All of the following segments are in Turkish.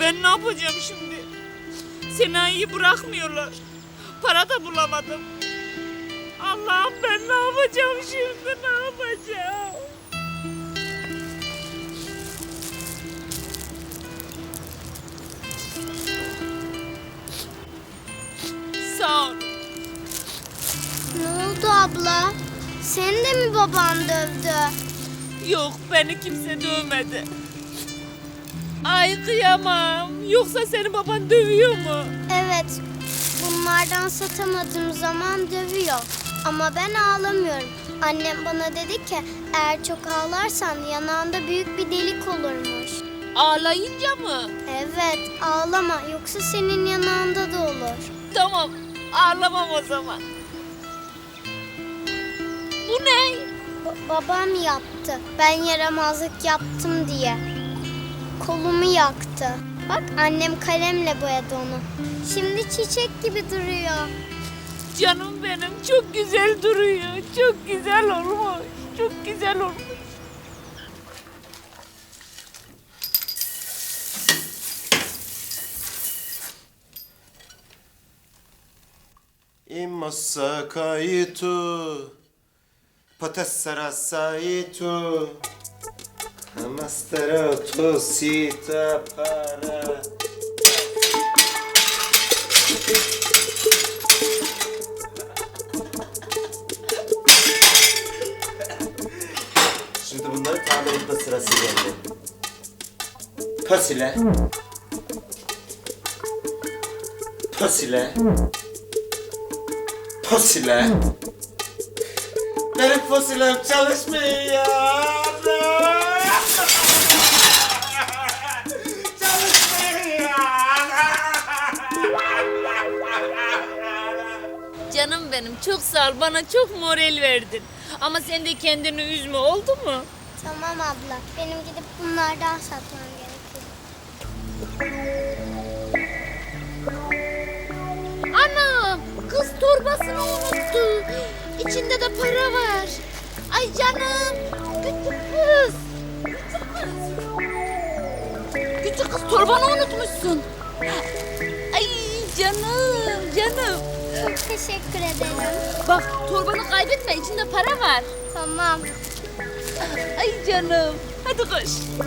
Ben ne yapacağım şimdi? Senayi'yi bırakmıyorlar. Para da bulamadım. Allah'ım ben ne yapacağım şimdi, ne yapacağım? Sağ ol. Ne oldu abla? Seni de mi baban dövdü? Yok, beni kimse dövmedi. Ay kıyamam. Yoksa senin baban dövüyor mu? Evet. Bunlardan satamadığım zaman dövüyor. Ama ben ağlamıyorum. Annem bana dedi ki eğer çok ağlarsan yanağında büyük bir delik olurmuş. Ağlayınca mı? Evet, ağlama yoksa senin yanağında da olur. Tamam, ağlamam o zaman. Bu ne? Babam yaptı. Ben yaramazlık yaptım diye. Kolumu yaktı. Bak annem kalemle boyadı onu. Şimdi çiçek gibi duruyor. Canım benim, çok güzel duruyor. Çok güzel olmuş. Çok güzel olmuş. Immossa kaitu, potessera saitu, amastera tosita para. Şimdi bunları tamir etme sırası geldi. Pasile. Pasile. Fosile. Benim fosilem çalışmıyor. Çalışmıyor. Canım benim, çok sağ ol. Bana çok moral verdin. Ama sen de kendini üzme, oldu mu? Tamam abla. Benim gidip bunlardan satmam gerekiyor. Anam, kız torbasını unuttu. İçinde de para var. Ay canım, küçük kız. Küçük kız, torbanı unutmuşsun. Ay canım, canım. Çok teşekkür ederim. Bak, torbanı kaybetme, içinde para var. Tamam. Ay canım, hadi koş.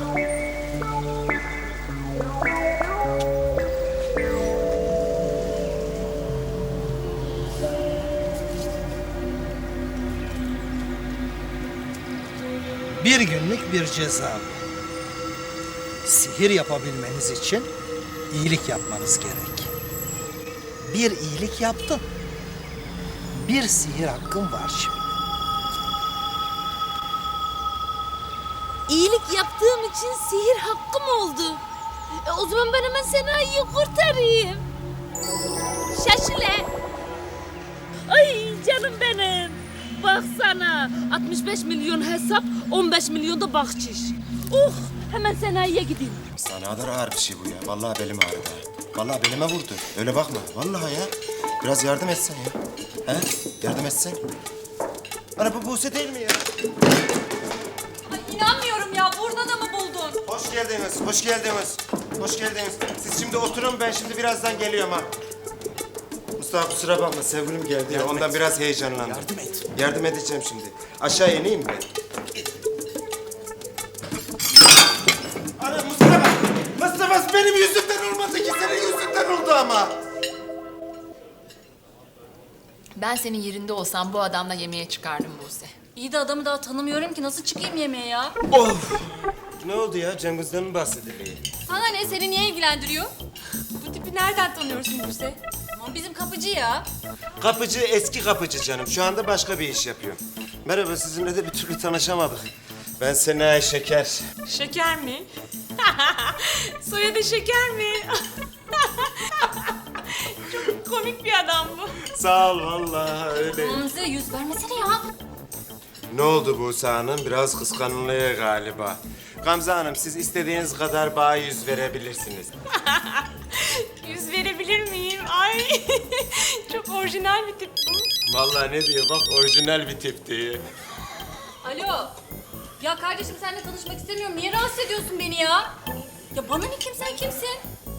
Bir günlük bir ceza bu. Sihir yapabilmeniz için iyilik yapmanız gerek. Bir iyilik yaptın. Bir sihir hakkın var şimdi. İyilik yaptığım için sihir hakkım oldu. O zaman ben hemen Senayi'yi kurtarayım. Şaşile. Ay canım benim. Baksana. 65 milyon hesap, 15 milyon da bahşiş. Hemen Senayi'ye gideyim. Sana ne kadar ağır bir şey bu ya. Vallahi belim ağrıdı. Ha. Vallahi belime vurdu. Öyle bakma. Vallahi ya. Biraz yardım etsen ya. He? Yardım etsen. Ana bu Buse değil mi ya? Ay inanmıyorum ya. Burada da mı buldun? Hoş geldiniz. Hoş geldiniz. Hoş geldiniz. Siz şimdi oturun. Ben şimdi birazdan geliyorum ha. Mustafa kusura bakma. Sevgilim geldi ya. Ondan biraz heyecanlandım. Yardım et. Yardım edeceğim şimdi. Aşağı ineyim mi? Ana Mustafa! Mustafa benim yüzümden olmadı ki senin yüzünden oldu ama. Ben senin yerinde olsam bu adamla yemeğe çıkardım Buse. İyi de adamı daha tanımıyorum ki. Nasıl çıkayım yemeğe ya? Of! Ne oldu ya? Cengiz'den mi bahsedelim? Sana ne? Seni niye ilgilendiriyor? Bu tipi nereden tanıyorsun Buse? Aman bizim kapıcı ya. Kapıcı, eski kapıcı canım. Şu anda başka bir iş yapıyor. Merhaba, sizinle de bir türlü tanışamadık. Ben Senayi Şeker. Şeker mi? Soyadı Şeker mi? Çok komik bir adam bu. Sağ ol vallahi öyle. Gamze yüz vermesene ya. Ne oldu Buse Hanım? Biraz kıskanılıyor galiba. Gamze Hanım, siz istediğiniz kadar bana yüz verebilirsiniz. Yüz verebilir miyim? Ay çok orijinal bir tip bu. Vallahi ne diyor bak, orijinal bir tip diyor. Alo. Ya kardeşim seninle tanışmak istemiyorum. Niye rahatsız ediyorsun beni ya? Ya bana ne kim sen kimsin?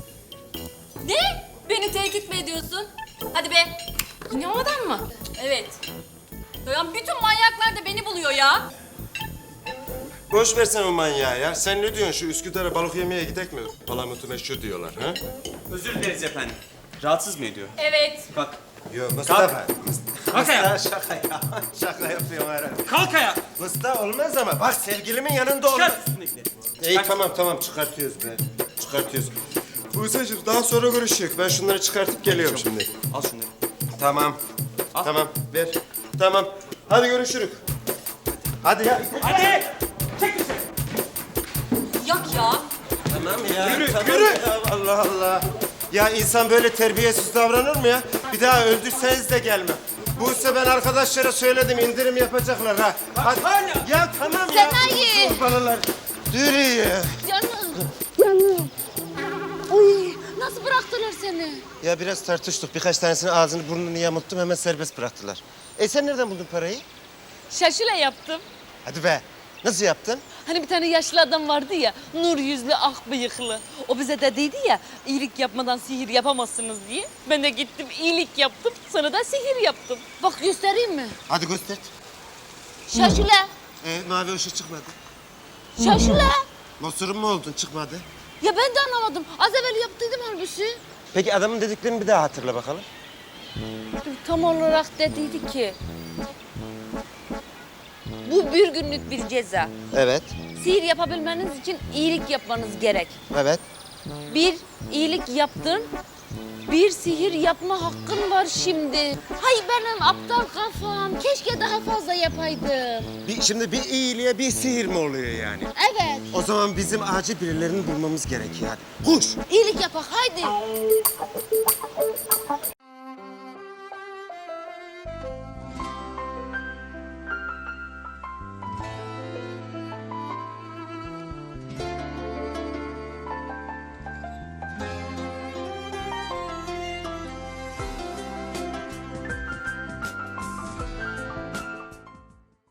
Ne? Beni tehdit mi ediyorsun? Hadi be. Yine o adam mı? Evet. Ya bütün manyaklar da beni buluyor ya. Boş versen o manyağı ya. Sen ne diyorsun? Şu Üsküdar'a balık yemeye gidek mi? Palamutu meşhur diyorlar ha? Özür dileriz efendim. Rahatsız mı ediyor? Evet. Kalk. Yok Mustafa. Kalk ayağa. Şaka ya. Şaka yapıyorum herhalde. Kalk ayağa. Mustafa olmaz ama bak sevgilimin yanında olmaz. Çıkart üstündekileri. İyi tamam çıkartıyoruz be. Çıkartıyoruz. Buse'cim daha sonra görüşürüz. Ben şunları çıkartıp geliyorum şimdi. Al şunları. Tamam. Al. Tamam ver. Tamam. Hadi görüşürüz. Hadi ya. Hadi. Çek dışarı. Yak ya. Tamam ya. Yürü, tamam yürü. Ya, Allah Allah. Ya insan böyle terbiyesiz davranır mı ya? Bir daha öldürseniz de gelmem. Buse ben arkadaşlara söyledim indirim yapacaklar ha. Hadi. hala. Ya tamam ya. Sanayi. Kurbanlar. Dur ya. Canım. Uy, nasıl bıraktılar seni? Ya biraz tartıştık. Birkaç tanesinin ağzını burnunu yamulttum hemen serbest bıraktılar. Sen nereden buldun parayı? Şaşıla yaptım. Hadi be. Nasıl yaptın? Hani bir tane yaşlı adam vardı ya, nur yüzlü, ak bıyıklı. O bize dediydi ya, iyilik yapmadan sihir yapamazsınız diye. Ben de gittim, iyilik yaptım, sonra da sihir yaptım. Bak göstereyim mi? Hadi göster. Şaşıla, Mavi ışık çıkmadı. şaşıla. Mosurun mu oldun? Çıkmadı. Ya ben de anlamadım. Az evvel yaptıydım halbuki. Peki adamın dediklerini bir daha hatırla bakalım. Tam olarak dediydi ki... Bu bir günlük bir ceza. Evet. Sihir yapabilmeniz için iyilik yapmanız gerek. Evet. Bir iyilik yaptın, bir sihir yapma hakkın var şimdi. Hay benim aptal kafam, keşke daha fazla yapaydım. Şimdi bir iyiliğe bir sihir mi oluyor yani? Evet, O zaman bizim acil birilerini bulmamız gerekiyor. Hadi. Koş. iyilik yapak haydi.